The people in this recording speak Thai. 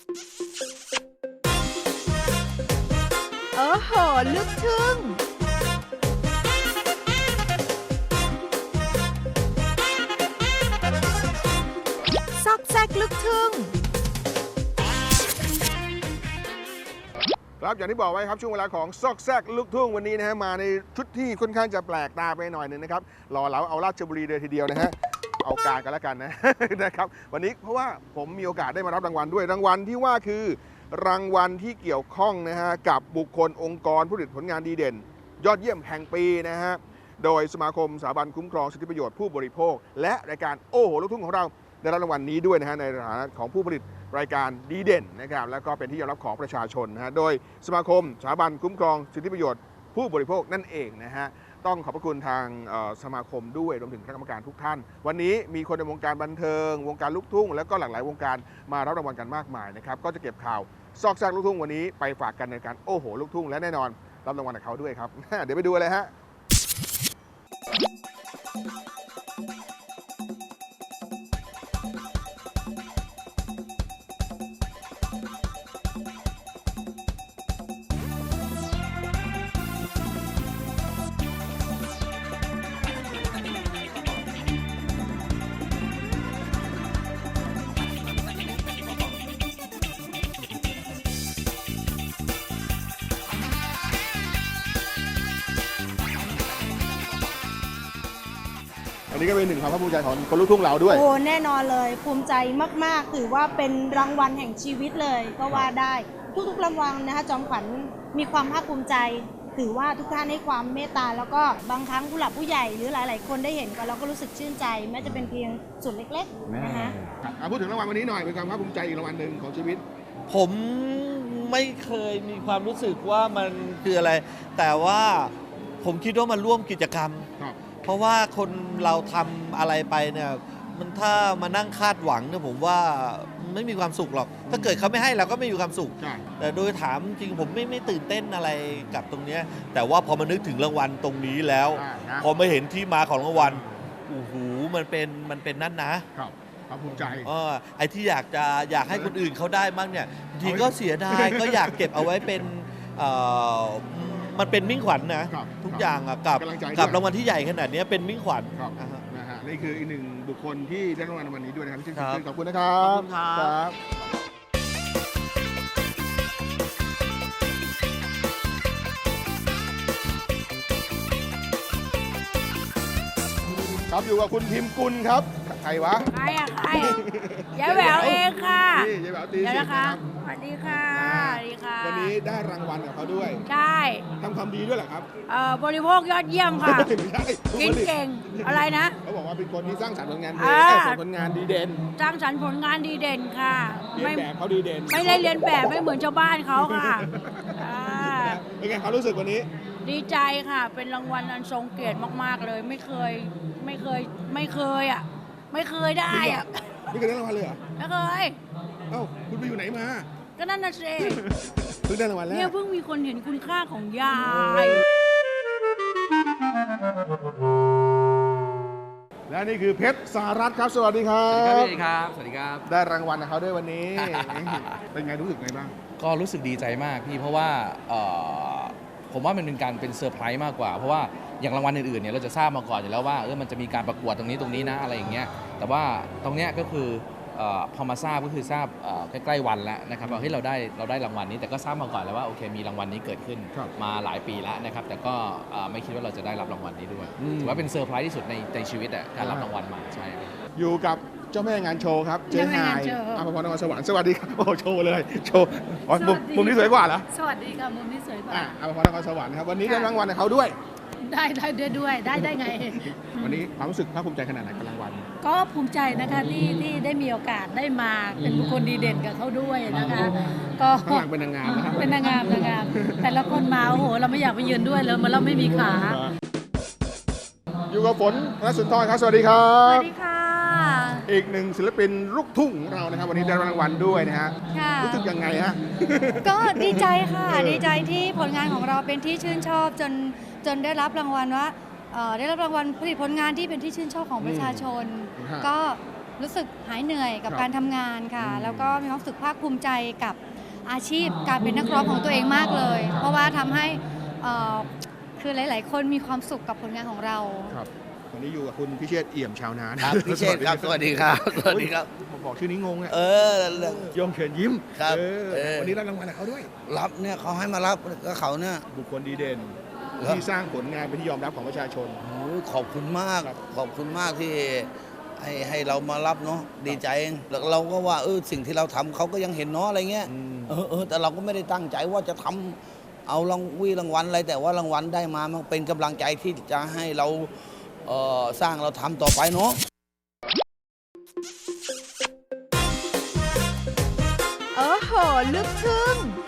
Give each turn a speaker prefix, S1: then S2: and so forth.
S1: โอ้โหลูกทุ่งซอกแซกลูกทุ่ง
S2: ครับอย่างที่บอกไว้ครับช่วงเวลาของซอกแซกลูกทุ่งวันนี้นะฮะมาในชุดที่ค่อนข้างจะแปลกตาไปหน่อยหนึ่งนะครับรอเราเอาราชบุรีเลยทีเดียวนะฮะเอาการกันแล้วกันนะ นะครับวันนี้เพราะว่าผมมีโอกาสได้มารับรางวัลด้วยรางวัลที่ว่าคือรางวัลที่เกี่ยวข้องนะฮะกับบุคคลองค์กรผู้ผลิตผลงานดีเด่น ยอดเยี่ยมแห่งปีนะฮะโดยสมาคมสถาบันคุ้มครองสิทธิประโยชน์ผู้บริโภคและรายการโอ้โหลูกทุ่งของเราได้รับรางวัลนี้ด้วยนะฮะในฐานะของผู้ผลิตรายการดีเด่นนะครับแล้วก็เป็นที่ยอมรับของประชาชนนะฮะโดยสมาคมสถาบันคุ้มครองสิทธิประโยชน์ผู้บริโภคนั่นเองนะฮะต้องขอบพระคุณทางสมาคมด้วยรวมถึงคณะกรรมการทุกท่าน วันนี้มีคนในวงการบันเทิงวงการลูกทุ่งแล้วก็หลากหลายวงการมารับรางวัลกันมากมายนะครับก็จะเก็บข่าวซอกแซกลูกทุ่งวันนี้ไปฝากกันในการโอ้โหลูกทุ่งและแน่นอนรับรางวัลกับเขาด้วยครับ เดี๋ยวไปดูเลยฮะอันนี้ก็เป็นหนึ่งความภาคภูมิใจของคนลูกทุ่งเราด้วย
S3: โอ้แน่นอนเลยภูมิใจมากๆถือว่าเป็นรางวัลแห่งชีวิตเลยก็ว่าได้ทุกๆรางวัลนะคะจอมขวัญมีความภาคภูมิใจถือว่าทุกท่านให้ความเมตตาแล้วก็บางครั้งผู้หลักผู้ใหญ่หรือหลายๆคนได้เห็นกันเราก็รู้สึกชื่นใจแม้จะเป็นเพียงส่วนเล็กๆนะคะ
S2: พูดถึงรางวัลวันนี้หน่อยเป็นความภาคภูมิใจอีกรางวัลหนึ่งของชีวิต
S4: ผมไม่เคยมีความรู้สึกว่ามันคืออะไร แต่ว่าผมคิดว่ามันร่วมกิจกรรมเพราะว่าคนเราทำอะไรไปเนี่ยมันถ้ามานั่งคาดหวังเนี่ยผมว่าไม่มีความสุขหรอกถ้าเกิดเขาไม่ให้เราก็ไม่มีความสุขแต่โดยถามจริงผมไม่ตื่นเต้นอะไรกับตรงนี้แต่ว่าพอมานึกถึงรางวัลตรงนี้แล้วพอมาเห็นที่มาของรางวัลโอ้โหมันเป็นนั่นนะ
S2: ความภูมิใจ
S4: ไอ้ที่อยากให้คนอื่นเขาได้บ้างเนี่ยจริงก็เสียดายก็อยากเก็บเอาไว้เป็นมันเป็นมิ่งขวัญนะทุกอย่างกับรางวัลที่ใหญ่ขนาดนี้เป็นมิ่งขวัญ
S2: นะฮะนี่คืออีกหนึ่งบุคคลที่ได้รางวัลในวันนี้ด้วยนะครับที่ชื่นขอบคุณนะครับครับอยู่กับคุณพิมพ์กุลครับใครวะ
S5: ใครยายแหววเองค่ะ
S2: นี่ยายแหววตีสิ
S5: ครับสวัสดีค่ะ
S2: วันนี้ได้รางวัลกับเขาด้วย
S5: ใช่
S2: ทำความดีด้วยเหรอครับ
S5: บริโภคยอดเยี่ยมค่ะกินเก่งอะไรนะ
S2: เขาบอกว่าเป็นคนที่สร้างสรรค์ผลงานเพลงผลงานดีเด่น
S5: สร้างสรรค์ผลงานดีเด่นค่ะ
S2: เรียนแบบเขาดีเด่น
S5: ไม่ได้เรียนแบบไม่เหมือนชาวบ้านเขาค่ะ
S2: เป็นไงเขารู้สึกวันนี้
S5: ดีใจค่ะเป็นรางวัลอันทรงเกียรติมากๆเลยไม่เคยได้ไม่เคย
S2: ได้รางวัลเลยเหรอ
S5: ไม่เคย
S2: เอ้าคุณไปอยู่ไหนมา
S5: ก็นั่นน่ะสิ
S2: เพิ่งได้รางวัลแล้ว
S5: เนี่ยเพิ่งมีคนเห็นคุณค่าของยาย
S2: และนี่คือเพชรสหรัฐครับสวัสดีครับ
S6: สวัสดีครับสวัสดีครับ
S2: ได้รางวัลกับเขาด้วยวันนี้ เป็นไงรู้สึกไงบ้าง
S6: ก็รู้สึกดีใจมากพี่เพราะว่าผมว่ามันเป็นการเป็นเซอร์ไพรส์มากกว่าเพราะว่าอย่างรางวัลอื่นๆเนี่ยเราจะทราบมาก่อนอยู่แล้วว่ามันจะมีการประกวดตรงนี้นะอะไรอย่างเงี้ยแต่ว่าตรงเนี้ยก็คือพอมาทราบก็คือทราบใกล้ๆวันแล้วนะครับว่าเฮ้ยเราได้รางวัลนี้แต่ก็ทราบมาก่อนแล้วว่าโอเคมีรางวัลนี้เกิดขึ้นมาหลายปีแล้วนะครับแต่ก็ไม่คิดว่าเราจะได้รับรางวัลนี้ด้วยถือว่าเป็นเซอร์ไพรส์ที่สุดในชีวิตการรับรางวัลมาใช่
S2: อยู่กับเจ้าแม่งานโชว์ครับเจ๊หายอภพรนครสวรรค์สวัสดีครับโอ้โชว์เลยโชว์มุมนี้สวยกว่าเหรอ
S5: สวัสดีค่ะมุมนี้สวยกว่า
S2: อภพรนครสวรรค์ครับวันนี้ได้รางวัลกับเขาด้วย
S5: ได้ด้วยได้ไง
S2: วันนี้ความรู้สึกภาคภูมิใจขนาดไหนกับรางวัล
S5: ก็ภูมิใจนะคะที่ได้มีโอกาสได้มาเป็นบุคคลดีเด่นกับเขาด้วยนะคะ
S2: ก็ข้างหลังเป็นนางงามนะครับ
S5: เป็นนางงามแต่ละคนมาโอ้โหเราไม่อยากไปยืนด้วยเลยเหมือนเราไม่มีขา
S2: อยู่กับฝนและสุนทรครับสวัสดีครับ
S7: สวัสดีค่ะ
S2: อีกหนึ่งศิลปินลูกทุ่งของเรานะครับวันนี้ได้รางวัลด้วยนะฮะรู้สึกยังไงฮะ
S7: ก็ดีใจค่ะดีใจที่ผลงานของเราเป็นที่ชื่นชอบจนได้รับรางวัลว่าได้รับรางวัลผลิตผลงานที่เป็นที่ชื่นชอบของประชาชนก็รู้สึกหายเหนื่อยกับ
S2: ครับ
S7: การทำงานค่ะ
S2: อืม
S7: แล้วก็มีความรู้สึกภาคภูมิใจกับอาชีพการเป็นนักร้องของตัวเองมากเลย เพราะว่าทำให้คือหลาย ๆ คนมีความสุขกับผลงานของเรา
S2: ครับวันนี้อยู่กับคุณพิเชษฐ์เอี่ยมชาวนา
S8: ครับพี่เชษฐ์ครับ สวัสดีครับ สวัสดีครับ
S2: บอกชื่อนี้งงอ่ะ
S8: เออ
S2: โยมเชิญยิ้ม
S8: ครับ
S2: วันนี้รับรางวัลกับเขาด้วย
S8: รับเนี่ยเขาให้มารับก็เขาเนี่ย
S2: บุคคลดีเด่น
S8: ครับ
S2: ที่สร้างผลงานเป็นที่ยอมรับของประชาชน
S8: โอ้ยขอบคุณมาก
S2: ครับ
S8: ขอบคุณมากที่ให้เรามารับเนาะดีใจแล้วเราก็ว่าสิ่งที่เราทำเขาก็ยังเห็นเนาะอะไรเงี้ยแต่เราก็ไม่ได้ตั้งใจว่าจะทำเอารางวัลอะไรแต่ว่ารางวัลได้มามันเป็นกำลังใจที่จะให้เราสร้างเราทำต่อไปเนาะ
S1: โอ้โห ลึกทึ่ง